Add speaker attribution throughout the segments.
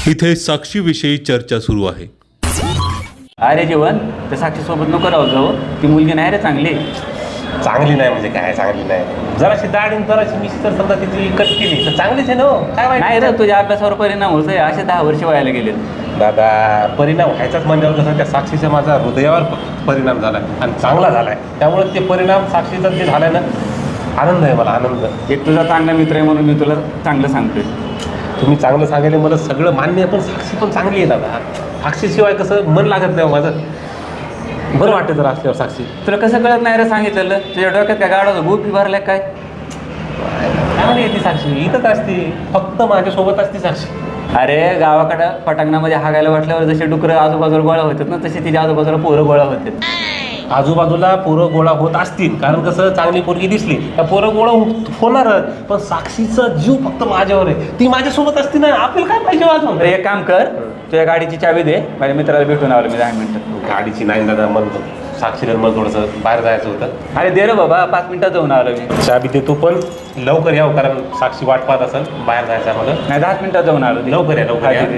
Speaker 1: इथे साक्षीविषयी चर्चा सुरू आहे.
Speaker 2: अरे जीवन त्या साक्षी सोबत नको राहू जाऊ, ती मुलगी नाही रे चांगली.
Speaker 3: चांगली नाही म्हणजे काय चांगली नाही? जराशी दाढी जराशी मिशी तर समजा तिची कट केली तर चांगलीच आहे ना. काय वाईट
Speaker 2: नाही रे, तुझ्या अभ्यासावर परिणाम होतोय. असे 10 वर्ष व्हायला गेले.
Speaker 3: दादा, परिणाम व्हायचाच म्हणजे कसं त्या साक्षीचा माझा हृदयावर परिणाम झाला आणि चांगला झालाय. त्यामुळे ते परिणाम साक्षीचा जे झालाय ना, आनंद आहे मला, आनंद.
Speaker 2: एक तुझा चांगला मित्र आहे म्हणून मी तुला चांगलं सांगतोय.
Speaker 3: तुम्ही चांगलं सांगितले मला सगळं मान्य आहे, पण साक्षी पण चांगली आहे दादा. साक्षीशिवाय कसं मन लागत नाही माझं. बरं वाटतं जर असल्यावर साक्षी.
Speaker 2: तुला कसं कळत नाही रे सांगितलेलं? तुझ्या डोक्यात काय गाडा गोपी भरल्या काय?
Speaker 3: चांगली आहे ती साक्षी, इथंच असते, फक्त माझ्यासोबत असते साक्षी.
Speaker 2: अरे गावाकडं पटांगणामध्ये हागायला वाटल्यावर जसे डुकरं आजूबाजूला गोळा होतात ना, तसे तिच्या आजूबाजूला पोरं गोळा होतात.
Speaker 3: आजूबाजूला पोरं गोळा होत असतील, कारण कसं चांगली पोरगी दिसली त्या पोरं गोळा होणारच. पण साक्षीचा जीव फक्त माझ्यावर आहे, ती माझ्यासोबत असती ना, आपल्याला काय पाहिजे अजून?
Speaker 2: तर एक काम कर, तुझ्या गाडीची चावी दे, माझ्या मित्राला भेटून आलो मी 10 मिनिटात.
Speaker 3: गाडीची नाही दादा, म्हणतो साक्षीला मला थोडंसं बाहेर जायचं होतं.
Speaker 2: अरे दे रे बाबा, 5 मिनिटात जाऊन आलो मी.
Speaker 3: चाबी देतो, पण लवकर यावं, कारण साक्षी वाट पाहत असेल. बाहेर जायचं आहे मला.
Speaker 2: नाही 10 मिनिटात जाऊन आलो.
Speaker 3: लवकर या, लवकर या.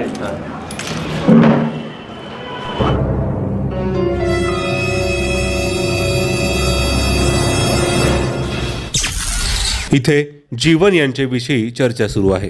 Speaker 1: इथे जीवन यांच्याविषयी चर्चा सुरू आहे.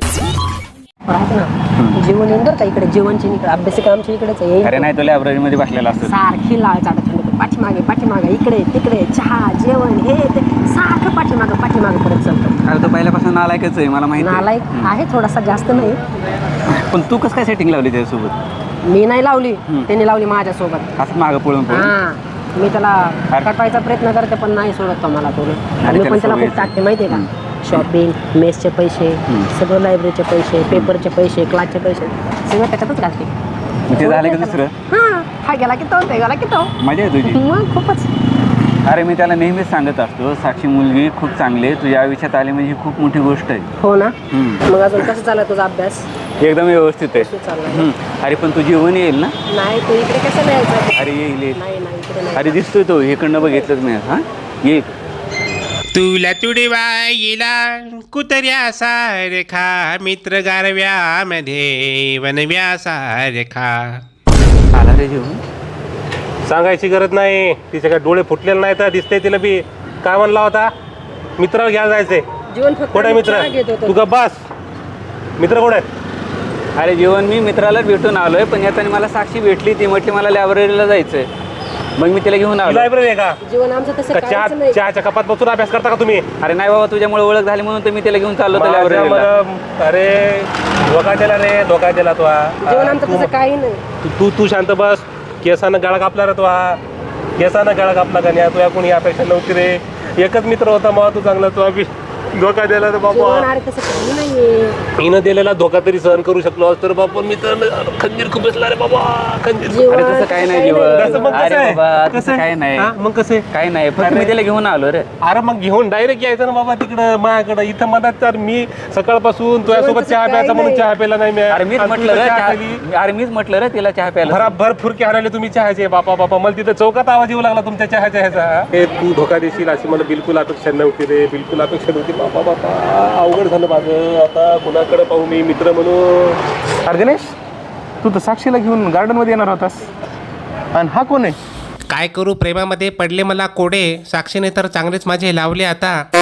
Speaker 4: जेवण येऊन का इकडे, जेवणची इकडे, अभ्यासिका आमच्या इकडेच आहे.
Speaker 2: अरे नाही, तो लायब्ररीमध्ये बसलेला असतो.
Speaker 4: सारखी लाळ चाटत होते, पाठीमागे इकडे तिकडे, चहा जेवण हे ते सारखं पाठीमागे करत चालतं.
Speaker 2: अरे तो पहिल्यापासून नालायकच आहे, मला माहिती
Speaker 4: नालायक आहे, थोडासा जास्त नाही.
Speaker 2: पण तू कसं काय सेटिंग लावली त्याच्यासोबत?
Speaker 4: मी नाही लावली, त्यांनी लावली माझ्यासोबत.
Speaker 2: असं मागं पळून
Speaker 4: हा, मी त्याला कटवायचा प्रयत्न करते पण नाही सोडत तो मला.
Speaker 2: अरे
Speaker 4: मी पण त्याला
Speaker 2: त्याला
Speaker 4: खूप टाकते माहितीये का. शॉपिंग, मेसचे पैसे, सगळं लायब्ररीचे पैसे, पेपरचे पैसे, क्लासचे पैसे, सगळं त्याच्यातच घालते.
Speaker 2: ते झालं की दुसरं?
Speaker 4: हा गेला की तो, ते गेला की तो.
Speaker 2: मजा आहे तुझी.
Speaker 4: मग खूपच.
Speaker 2: अरे मी त्याला नेहमीच सांगत असतो, साक्षी मुलगी खूप चांगली आहे, तुझ्या आयुष्यात आली म्हणजे ही खूप मोठी गोष्ट आहे.
Speaker 4: हो ना. मग अजून कसं चालला तुझा अभ्यास?
Speaker 2: एकदम व्यवस्थित आहे.
Speaker 4: चाललाय.
Speaker 2: अरे पण तू जेवण येईल ना?
Speaker 4: नाही, तू इकडे कसं यायचं?
Speaker 2: अरे येईल येईल.
Speaker 4: नाही इकडे नाही.
Speaker 2: अरे दिसतोय तो, इकडनं बघितलंच मी. हा येईल.
Speaker 5: तुला तुडवाईला कुतऱ्या सारखा, मित्र गारव्यामध्ये वनव्या सारखा.
Speaker 2: आला रे जेवण.
Speaker 3: सांगायची गरज नाही, तिचे काय डोळे फुटलेले नाही तर दिसतंय तिला बी. काय म्हणला होता? मित्राला घ्यायला जायचंय.
Speaker 4: जीवन फक्त
Speaker 3: कोण आहे मित्र?
Speaker 4: चहा घेत होतो.
Speaker 3: तू का बस. मित्र कोण आहे?
Speaker 2: अरे जेवण मी मित्राला भेटून आलोय, पण याच्याने मला साक्षी भेटली. ती म्हटली मला लायब्ररीला जायचंय, मग मी तिला घेऊन आलो.
Speaker 3: लायब्ररी आहे का?
Speaker 4: जीवन आमचं तसं
Speaker 3: का
Speaker 4: काहीच नाही.
Speaker 3: चहाच्या कपात बसून अभ्यास करता का तुम्ही?
Speaker 2: अरे नाही बाबा, तुझ्यामुळे ओळख झाली म्हणून तर मी तिला घेऊन चाललो होतो लायब्ररीला.
Speaker 3: अरे धोका दिला रे, धोका दिला तो.
Speaker 4: जीवन आमचं तसं काही नाही.
Speaker 3: तू शांत बस. केसानं गळा कापला रे तो. केसानं गळा कापला का नाही? तुझ्या कोणी अपेक्षा नव्हती रे. एकच मित्र होता मग, तू चांगला. तो धोका दिला रे बाबा.
Speaker 4: जीवन अरे तसं काही नाहीये.
Speaker 3: हिनं दिलेला धोका तरी सहन करू शकलो तर बाबा. मी तर खंजीर खूप बसला रे बाबा, खंजीर.
Speaker 4: जीवन
Speaker 2: अरे तसं काही नाही
Speaker 4: काही
Speaker 2: जेवण.
Speaker 3: कसं मग?
Speaker 2: अरे
Speaker 3: कसं
Speaker 2: बाबा
Speaker 3: आहे?
Speaker 2: तसं
Speaker 3: कसं
Speaker 2: काही
Speaker 3: आहे?
Speaker 2: नाही.
Speaker 3: हा, मग कसं आहे?
Speaker 2: काही नाही, फक्त मी तिला घेऊन आलो रे.
Speaker 3: अरे मग घेऊन डायरेक्ट यायचं ना बाबा तिकडं माझ्याकडं. इथं मधात तर मी सकाळपासून तुझ्यासोबत चहा प्यायचा म्हणून चहा प्यायला नाही मी.
Speaker 2: अरे मीच
Speaker 3: आणि
Speaker 2: म्हटलं
Speaker 3: तुझं
Speaker 2: रे
Speaker 3: चहा खाली.
Speaker 2: अरे मीच म्हटलं रे तिला चहा प्यायला.
Speaker 3: भराभर फुरके हाणाले तुम्ही चहाचे. बापा बापा, मला तिथं चौकात आवाज येऊ लागला तुमच्या चहाच्या ह्याचा. हे तू धोका देशील अशी मला बिलकुल अपेक्षा नव्हती रे, बिलकुल अपेक्षा नव्हती. बापा बापा, अवघड झालं माझं. आता कुणाकडे पाहू मी मित्र म्हणून?
Speaker 6: अरे गणेश, तू तर साक्षीला घेऊन गार्डन मध्ये येणार होतास, आणि हा कोण आहे?
Speaker 5: काय करू, प्रेमामध्ये पडले मला कोडे. साक्षीने तर चांगलेच माझे लावले आता.